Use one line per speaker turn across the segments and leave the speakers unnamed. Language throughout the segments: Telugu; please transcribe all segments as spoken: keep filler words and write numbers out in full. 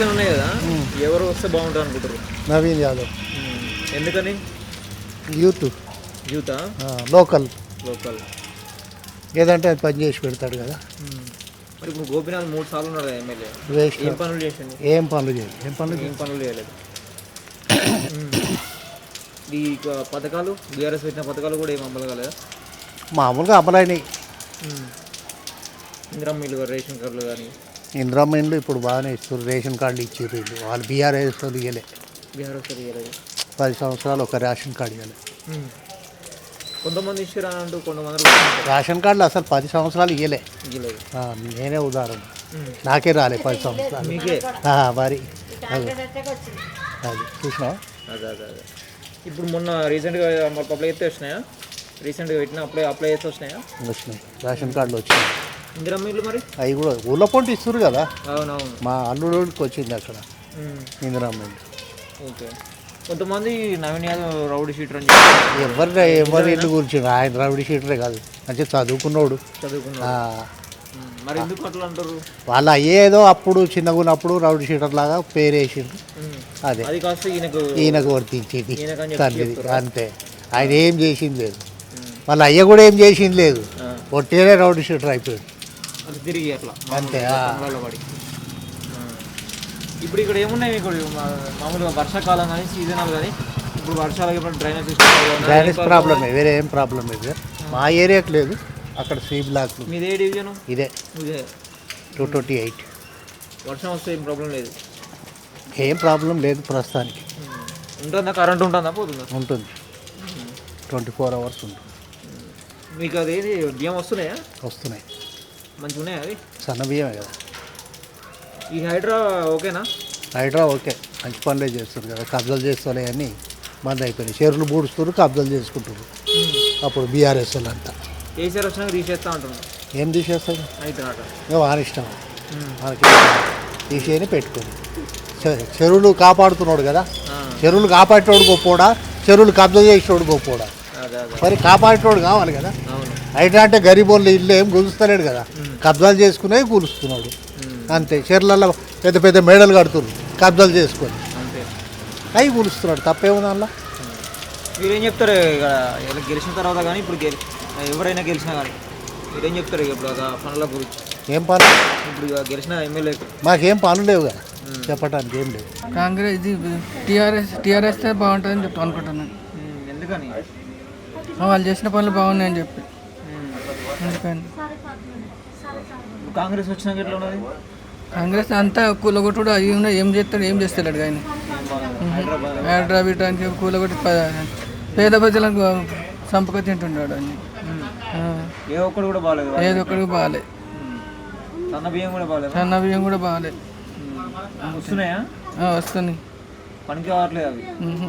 ఎలక్షన్ ఉన్నాయి కదా, ఎవరు వస్తే బాగుంటుంది అనుకుంటారు?
నవీన్ యాదవ్.
ఎందుకని?
యూత్
యూతా?
లోకల్
లోకల్
ఏదంటే అది పని చేసి పెడతాడు కదా.
మరి ఇప్పుడు గోపీనాథ్ మూడు సార్లు ఉన్నాడు కదా ఎమ్మెల్యే,
వేస్ట్.
ఏం పనులు చేసిండు?
ఏం పనులు చేయలేదు. ఏం పనులు
ఏం పనులు చేయలేదు. ఈ పథకాలు బీఆర్ఎస్ పెట్టిన పథకాలు కూడా ఏం అమలు కాలేదా?
మామూలుగా అమలైనవి.
ఇందిరమ్మ ఇల్లు, రేషన్ కార్డులు కానీ.
ఇందిరమ్మ ఇండ్లు ఇప్పుడు బాగానే ఇస్తారు. రేషన్ కార్డులు ఇచ్చారు వీళ్ళు. వాళ్ళు బీఆర్ఎస్ వాళ్ళు ఇవ్వలే.
బీఆర్ఎస్ ఇవ్వలేదు.
పది సంవత్సరాలు ఒక రేషన్ కార్డు ఇవ్వలే.
కొంతమంది ఇచ్చారు అంటూ కొంతమంది
రేషన్ కార్డులు అసలు పది సంవత్సరాలు ఇవ్వలే.
ఇవ్వలేదు.
నేనే ఉదాహరణ, నాకే రాలే పది సంవత్సరాలు.
మీకే
మరి అది అది చూసినా.
అదే అదే అదే ఇప్పుడు మొన్న రీసెంట్గా మాకు అప్లై చేస్తే వచ్చినాయా? రీసెంట్గా పెట్టిన అప్లై అప్లై చేస్తే వచ్చినాయా?
వచ్చినాయి రేషన్ కార్డులు వచ్చినాయి.
ఇందిరమ్మ ఇల్లు మరి
అవి కూడా ఊళ్ళో పొంటి ఇస్తారు కదా.
అవునవును.
మా అల్లుడికి వచ్చింది అక్కడ ఇందిరమ్మ ఇల్లు.
ఓకే. కొంతమంది నవీన్ యాదవ్ రౌడీ షీటర్ అని చెప్పి
ఎవరి ఎవరి ఇల్లు గురించి ఆయన రౌడీ షీటరే కాదు, మంచిగా చదువుకున్నాడు.
చదువుకున్నాడు. మరి ఎందుకు అట్లా అంటారు?
వాళ్ళు అయ్యేదో అప్పుడు చిన్నగా ఉన్నప్పుడు రౌడీ షీటర్ లాగా పేరు వేసిండు. అదే
అది కాస్త ఈయనకు
ఈయనకు వర్తించేది తండ్రిది అంతే. ఆయన ఏం చేసింది లేదు, వాళ్ళ అయ్య కూడా ఏం చేసింది లేదు. ఒట్టేనే రౌడీ షీటర్ అయిపోయాడు
తిరిగి అట్లా
అంతే.
పడి ఇప్పుడు ఇక్కడ ఏమున్నాయి మీకు మామూలుగా వర్షాకాలం కానీ సీజనల్ కానీ ఇప్పుడు వర్షాలు డ్రైనేజ్ సిస్టమ్
డ్రైనేజ్ ప్రాబ్లమే, వేరే ఏం ప్రాబ్లం లేదు. మా ఏరియాకి లేదు, అక్కడ సి బ్లాక్.
మీదే డివిజన్?
ఇదే
ఇదే
టూ ట్వంటీ ఎయిట్.
వర్షం వస్తే ఏం ప్రాబ్లం లేదు?
ఏం ప్రాబ్లం లేదు ప్రస్తుతానికి.
ఉంటుందా? కరెంట్ ఉంటుందా? పోతుందా?
ఉంటుంది, ట్వంటీ ఫోర్ అవర్స్ ఉంటుంది.
మీకు అదేది బియ్యం వస్తున్నాయా?
వస్తున్నాయి.
మంచిగా ఉన్నాయా అవి?
సన్న బియ్యమే కదా.
ఈ హైడ్రా ఓకేనా?
హైడ్రా ఓకే, మంచి పనులే చేస్తారు కదా. కబ్జాలు చేస్తారే అని బంద్ అయిపోయినాయి. చెరువులు బూడుస్తారు, కబ్జాలు చేసుకుంటారు. అప్పుడు బీఆర్ఎస్ వాళ్ళు అంతా
కేసీఆర్ వచ్చినాక తీసేస్తా అంటున్నారు.
ఏం తీసేస్తాడు?
అయితే
వాని ఇష్టం, మనకి తీసేయని పెట్టుకోండి. చెరువులు కాపాడుతున్నాడు కదా. చెరువులు కాపాడేటోడు గొప్పోడా, చెరువులు కబ్జా చేసేటోడు గొప్పోడా? మరి కాపాడేటోడు కావాలి కదా. అయితే అంటే గరీబోళ్ళు ఇల్లు ఏం గులుస్తలేడు కదా, కబ్జాలు చేసుకునే కూలుస్తున్నాడు అంతే. చెర్లలో పెద్ద పెద్ద మేడలు కడుతున్నారు కబ్జాలు చేసుకొని, అవి కూలుస్తున్నాడు. తప్పేముంది అందులో?
మీరేం చెప్తారు ఇక్కడ గెలిచిన తర్వాత కానీ ఇప్పుడు ఎవరైనా గెలిచినా కానీ మీరేం చెప్తారు ఇప్పుడు పనుల గురించి?
ఏం పనులు?
ఇప్పుడు గెలిచిన ఎమ్మెల్యే
మాకేం పనులు లేవు కదా, చెప్పడానికి ఏం లేవు.
కాంగ్రెస్ ఇది టీఆర్ఎస్ టీఆర్ఎస్ బాగుంటుందని చెప్తా అనుకుంటున్నాను.
ఎందుకని?
వాళ్ళు చేసిన పనులు బాగున్నాయని చెప్పి. ఎందుకని
కాంగ్రెస్ వచ్చినాక ఎట్లా ఉన్నది?
కాంగ్రెస్ అంతా కూలగొట్టుడు అవి ఉన్నాయి, ఏం చేస్తాడు ఏం చేస్తాడు ఆయన. హైదరాబాద్ అని కూలగొట్టి పేద ప్రజలకు సంపక తింటున్నాడు అని.
ఏ ఒక్కడు కూడా బాగాలేదు,
ఏది ఒక్కడికి బాగాలేదు.
సన్న బియ్యం కూడా బాగాలేదు.
సన్న బియ్యం కూడా బాగాలేదు.
వస్తున్నాయా?
వస్తున్నాయి.
పనికి కావట్లేదు అవి.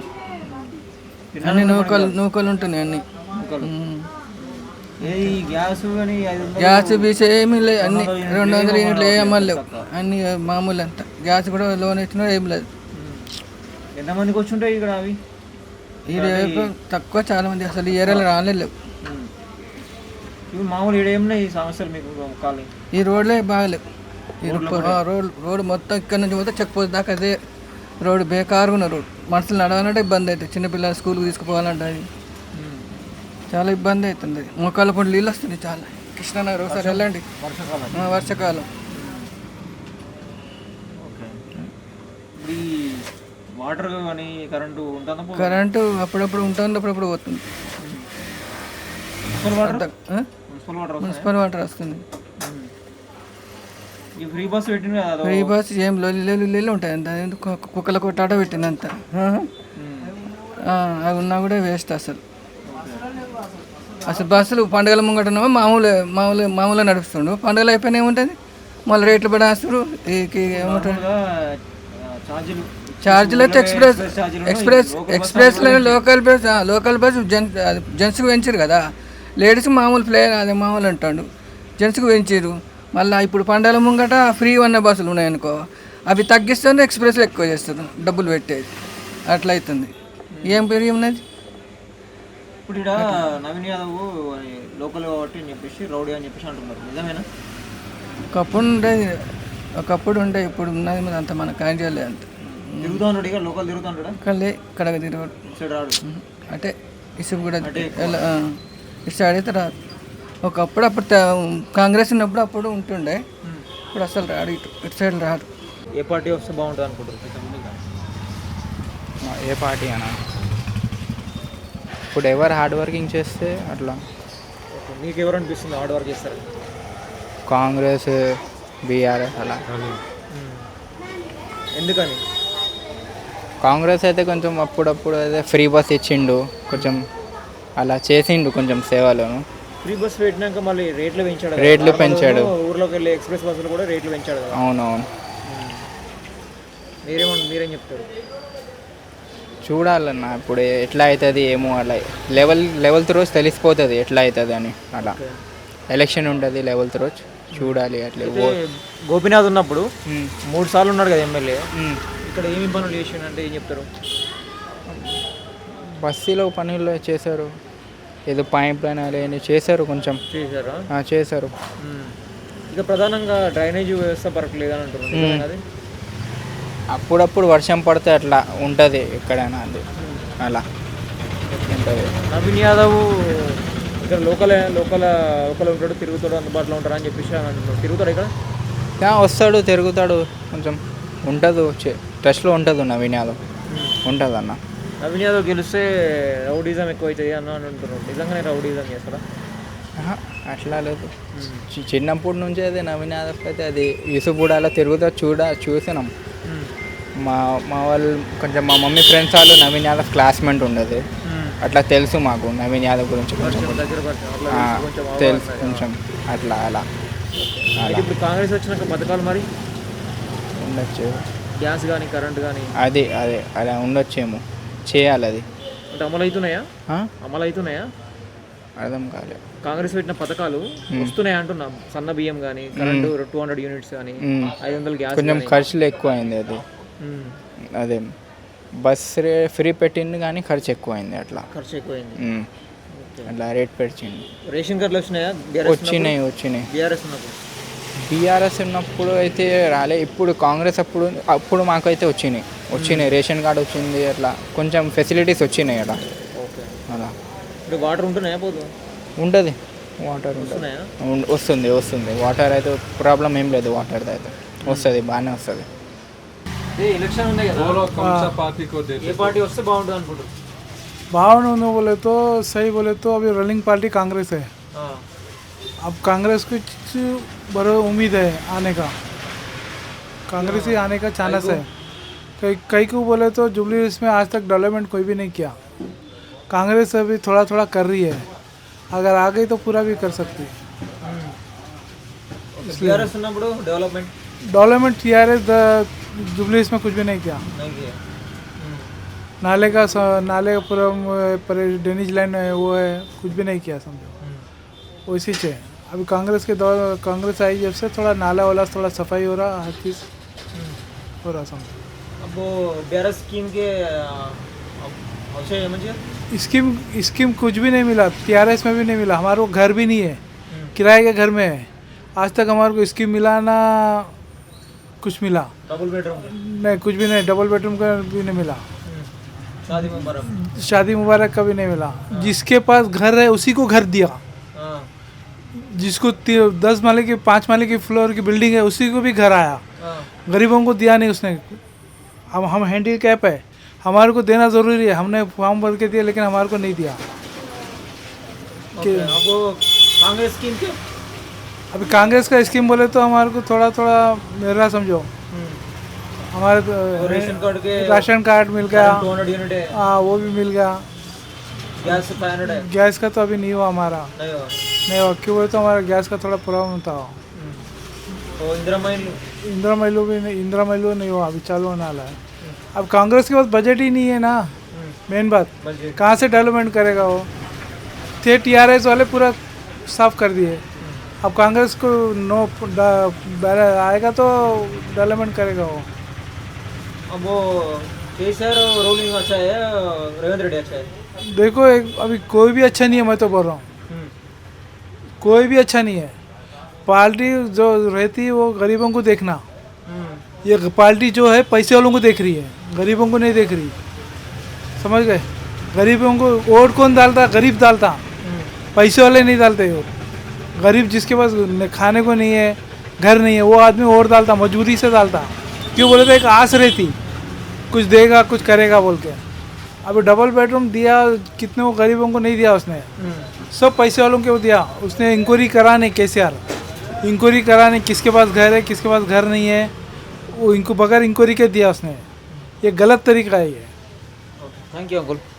అన్ని నూకలు నూకలు ఉంటున్నాయి అన్ని. గ్యాస్ బీస్ ఏమీ లేదు, అన్ని రెండు వందల యూనిట్లు ఏ అమ్మలేవు, అన్ని మామూలు అంతా. గ్యాస్ కూడా లోన్ ఇచ్చినా ఏం లేదు.
ఎంతమందికి వచ్చి ఉంటాయి ఇక్కడ అవి?
ఈ తక్కువ, చాలా మంది అసలు ఈ ఏరియాలో రాలేదు.
ఇవి మామూలు ఇక్కడ ఏమున్నాయి సమస్యలు మీకు? కాలనీ
ఈ రోడ్లే బాగాలేవు. ఈ రోడ్ రోడ్ మొత్తం ఇక్కడ నుంచి పోతే చెక్ పోతే దాకా అదే రోడ్డు బేకారుగా ఉన్న రోడ్. మనుషులు నడవాలంటే ఇబ్బంది అవుతుంది, చిన్నపిల్లలు స్కూల్కి తీసుకుపోవాలంటే అది చాలా ఇబ్బంది అవుతుంది. మొక్కల పండు నీళ్ళు వస్తుంది చాలా. కృష్ణానగర్ ఒకసారి వెళ్ళండి వర్షాకాలం వర్షాకాలం
వాటర్ కానీ కరెంటు ఉంటుందా?
కరెంటు అప్పుడప్పుడు ఉంటుంది, అప్పుడప్పుడు పోతుంది. మున్సిపల్ వాటర్ వస్తుంది.
ఫ్రీ బస్ పెట్టింది కదా,
ఫ్రీ బస్ ఏం లొల్లి లొల్లి ఉంటాయి అంత. కుక్కల కొట్టాట పెట్టింది అంత. అవి ఉన్నా కూడా వేస్ట్ అసలు. అసలు బస్సులు పండుగల ముంగటనేమో మామూలు మామూలు మామూలుగా నడుస్తుండు, పండుగలు అయిపోయినా ఏముంటుంది మళ్ళీ రేట్లు పడేస్తారు. ఏమంటారు ఛార్జీలు అయితే ఎక్స్ప్రెస్ ఎక్స్ప్రెస్ ఎక్స్ప్రెస్లో local bus local bus gents జెంట్స్కి పెంచారు కదా, లేడీస్కి మామూలు ప్లేయర్ అదే మామూలు అంటాడు, జెంట్స్కి పెంచారు. మళ్ళీ ఇప్పుడు పండుగల ముంగట ఫ్రీ ఉన్న బస్సులు ఉన్నాయనుకో, అవి తగ్గిస్తేనే ఎక్స్ప్రెస్లో ఎక్కువ చేస్తారు డబ్బులు పెట్టేది. అట్లా అవుతుంది. ఏం పేరు ఉన్నది
ఇప్పుడు ఇక్కడ నవీన్ యాదవ్ లోకల్ కాబట్టి అని చెప్పేసి రౌడీ అని చెప్పేసి అంటున్నారు, నిజమేనా?
ఒకప్పుడు ఉండేది ఒకప్పుడు ఉండే ఇప్పుడు ఉన్నది మీద అంత మనకు ఐడియా లేదు అంత
తిరుగుతూ ఉంటాడు ఇక లోకల్ తిరుగుతూ ఉంటాడా
ఇక్కడ లే ఇక్కడ తిరగడు
సైడ్ రాడు
అంటే ఇసుకు కూడా ఎలా, ఆ, ఇటు సైడ్ అయితే రాదు. ఒకప్పుడు అప్పుడు త- కాంగ్రెస్ ఉన్నప్పుడు అప్పుడు ఉంటుండే, ఇప్పుడు అసలు రాడు ఇటు ఇటు సైడ్ రాడు.
ఏ పార్టీ వస్తే బాగుంటుంది అనుకుంటారు?
ఏ పార్టీ అనా ఇప్పుడు ఎవరు హార్డ్ వర్కింగ్ చేస్తే అట్లా
ఓకే, మీకు ఎవరు అనిపిస్తుంది హార్డ్ వర్క్ చేస్తారు?
కాంగ్రెస్ బీఆర్ఎస్ అలా.
ఎందుకని?
కాంగ్రెస్ అయితే కొంచెం అప్పుడప్పుడు అయితే ఫ్రీ బస్ ఇచ్చిండు, కొంచెం అలా చేసిండు కొంచెం సేవలను.
ఫ్రీ బస్ పెట్టినాక మళ్ళీ రేట్లు పెంచాడు కదా.
రేట్లు పెంచాడు.
ఊర్లోకి వెళ్ళి ఎక్స్ప్రెస్ బస్సులు కూడా రేట్లు పెంచాడు కదా.
అవునవును,
మీరేమో మీరేం చెప్తారు?
చూడాలన్న ఇప్పుడు ఎట్లా అవుతుంది ఏమో, అలా లెవెల్ లెవెల్త్ రోజు తెలిసిపోతుంది ఎట్లా అవుతుంది అని. అలా ఎలక్షన్ ఉంటుంది లెవెల్త్ రోజు, చూడాలి అట్లా.
అయితే గోపీనాథ్ ఉన్నప్పుడు
ఉమ్,
మూడు సార్లు ఉన్నాడు కదా ఎమ్మెల్యే,
ఉమ్.
ఇక్కడ ఏమి పనులు చేసిండు అంటే ఏం చెప్తారు?
బస్తీలో పనులు చేశారు, ఏదో పైప్ లైన్ అలా ఏమీ చేశారు, కొంచెం
చేశారా?
ఆ, చేశారు.
ఉమ్. ఇక ప్రధానంగా డ్రైనేజ్ వ్యవస్థ పరకలేదని అంటున్నారు, నిజమేనా అది?
అప్పుడప్పుడు వర్షం పడితే అట్లా ఉంటుంది ఎక్కడైనా, అది అలా ఉంటుంది.
నవీన్ యాదవ్ ఇక్కడ లోకల్ లోకల్ లోకల్ ఉంటాడు, తిరుగుతాడు, అందుబాటులో ఉంటాడు అని చెప్పేసి అని అంటున్నాడు. తిరుగుతాడు ఇక్కడ?
ఆ, వస్తాడు తిరుగుతాడు, కొంచెం ఉంటుంది, టచ్లో ఉంటుంది నవీన్ యాదవ్, ఉంటుంది అన్న.
నవీన్ యాదవ్ గెలిస్తే రౌడీజం ఎక్కువ అవుతుంది అన్న అని అంటున్నాడు. నిజంగానే రౌడీజం చేస్తారా?
ఆహా, అట్లా లేదు. చి- చిన్నప్పటి నుంచి అయితే నవీన్ యాదవ్ అయితే అది యూసుఫ్గూడలో తిరుగుతా చూడ చూసినాం. మా మా వాళ్ళు కొంచెం మా మమ్మీ ఫ్రెండ్స్ వాళ్ళు నవీన్ యాదవ్ క్లాస్మేట్ ఉండదు, అట్లా తెలుసు మాకు నవీన్ యాదవ్ గురించి కొంచెం
దగ్గర పరిచయం అట్లా
ఆ,
కొంచెం
తెలుసు కొంచెం అట్లా అలా
అయితే
అలా
ఇప్పుడు కాంగ్రెస్ వచ్చినాక పథకాలు మరి
ఉండొచ్చు.
గ్యాస్ కానీ కరెంట్ కానీ
అది అదే అలా ఉండొచ్చేమో, చేయాలి అది.
అంటే అమలు అవుతున్నాయా?
ఆ?
అమలు అవుతున్నాయా?
అర్థం కాలే.
కాంగ్రెస్ పెట్టిన పథకాలు వస్తున్నాయి అంటున్నాం. సన్న బియ్యం కానీ కరెంటు టూ హండ్రెడ్ యూనిట్స్ కానీ
మ్మ్.
ఐదు వందల గ్యాస్
కొంచెం
కానీ.
ఖర్చులు ఎక్కువ అయింది అది.
మ్మ్.
అదే బస్ రే ఫ్రీ పెట్టింది కానీ ఖర్చు ఎక్కువ అయింది అట్లా.
ఖర్చు ఎక్కువైంది.
మ్మ్.
ఓకే.
అట్లా రేట్ పెట్టింది.
రేషన్ కార్డులు వచ్చినాయా?
వచ్చినాయి వచ్చినాయి
బీఆర్ఎస్ ఉన్నప్పుడు
బీఆర్ఎస్ ఉన్నప్పుడు అయితే రాలే, ఇప్పుడు కాంగ్రెస్ అప్పుడు అప్పుడు మాకైతే వచ్చినాయి వచ్చినాయి రేషన్ కార్డు వచ్చింది, అట్లా కొంచెం ఫెసిలిటీస్ వచ్చినాయి అలా.
ఓకే.
అలా
ఇప్పుడు వాటర్ ఉంటున్నాయా? పోదు
ఉంటుంది, వాటర్ ఉంటుంది,
వస్తున్నాయా?
ఉం- వస్తుంది వస్తుంది వాటర్ అయితే ప్రాబ్లం ఏం లేదు, వాటర్ అయితే వస్తుంది, బాగానే వస్తుంది.
ఏ ఎలక్షన్ ఉన్నాయి కదా, ఏ పార్టీ వస్తే బాగుంటుంది అనుకుంటారు?
भावना बोले तो सही बोले तो अभी रनिंग पार्टी कांग्रेस है.
ఆ.
अब कांग्रेस को कुछ बड़ा उम्मीद है आने का, कांग्रेस ही आने का चांस है. कई कई को बोले तो जुबली में आज तक डेवलपमेंट कोई भी नहीं किया. कांग्रेस अभी थोड़ा थोड़ा कर रही है, अगर आ गई तो पूरा भी कर सकती है.
బీఆర్ఎస్ ఉన్నప్పుడు డెవలప్మెంట్
डेवलपमेंट टी आर एस जुबली में कुछ भी नहीं किया.
नहीं किया.
नाले का स- नाले का पूरा पर ड्रेनेज लाइन है वो है, कुछ भी नहीं किया समझो. उसी से अभी कांग्रेस के दौर कांग्रेस आई जब से थोड़ा नाला वाला थोड़ा सफाई हो रहा, हर चीज़ हो रहा समझो.
अब वो बीआरएस स्कीम के अच्छे मंजिल
स्कीम स्कीम कुछ भी नहीं मिला, टीआरएस में भी नहीं मिला, हमारे को घर भी नहीं है, किराए के घर में है. आज तक हमारे को स्कीम मिला ना कुछ मिला,
डबल बेडरूम
नहीं कुछ भी नहीं, डबल बेडरूम का भी नहीं मिला,
शादी मुबारक.
शादी मुबारक का भी नहीं मिला. जिसके पास घर है उसी को घर दिया,
हाँ.
जिसको ती- दस माले की पाँच माले की फ्लोर की बिल्डिंग है उसी को भी घर आया.
हाँ.
गरीबों को दिया नहीं उसने. हम हम हैंडी कैप है, हमारे को देना ज़रूरी है, हमने फॉर्म भर के दिया लेकिन हमारे को नहीं दिया.
ओके. अब वो कांग्रेस स्कीम के
अभी कांग्रेस का स्कीम बोले तो हमारे को थोड़ा थोड़ा मेरा समझो, हमारे को
वो रेशन कार्ड के
राशन कार्ड मिल गया,
टू हंड्रेड यूनिट है,
हाँ वो भी मिल गया.
गैस फाइव हंड्रेड है.
गैस का तो अभी नहीं हुआ हमारा,
नहीं हो.
नहीं हुआ क्यों बोले तो हमारा गैस का थोड़ा प्रॉब्लम था.
तो इंदिरा महिला
इंदिरा महिलो भी नहीं, इंदिरा महिलो नहीं हुआ, अभी चालू होने वाला है. अब कांग्रेस के पास बजट ही नहीं है ना, मेन बात
बजट
कहाँ से डेवलपमेंट करेगा वो. थे टीआरएस वाले पूरा साफ कर दिए, अब कांग्रेस को नो ड- आएगा तो डेवलपमेंट करेगा वो.
अब वो केसीआर रोलिंग अच्छा है, रेवंत रेड्डी अच्छा है.
देखो एक अभी कोई भी अच्छा नहीं है, मैं तो बोल रहा हूँ कोई भी अच्छा नहीं है. पार्टी जो रहती है वो गरीबों को देखना, ये पार्टी जो है पैसे वालों को देख रही है, गरीबों को नहीं देख रही। समझ गए? गरीबों को वोट कौन डालता? गरीब डालता, पैसे वाले नहीं डालते वोट। गरीब जिसके पास खाने को नहीं है, घर नहीं है, वो आदमी वोट डालता, मजबूरी से डालता। क्यों बोले तो एक आस रहती, कुछ देगा कुछ करेगा बोल के। अभी डबल बेडरूम दिया, कितने वो गरीबों को नहीं दिया उसने, सब पैसे वालों को दिया। उसने इंक्वायरी कराने, केसीआर इंक्वायरी कराने किसके पास घर है किसके पास घर नहीं है, वो इनको बगैर इंक्वायरी के दिया उसने। ये गलत तरीका है ये।
Thank you Ankul.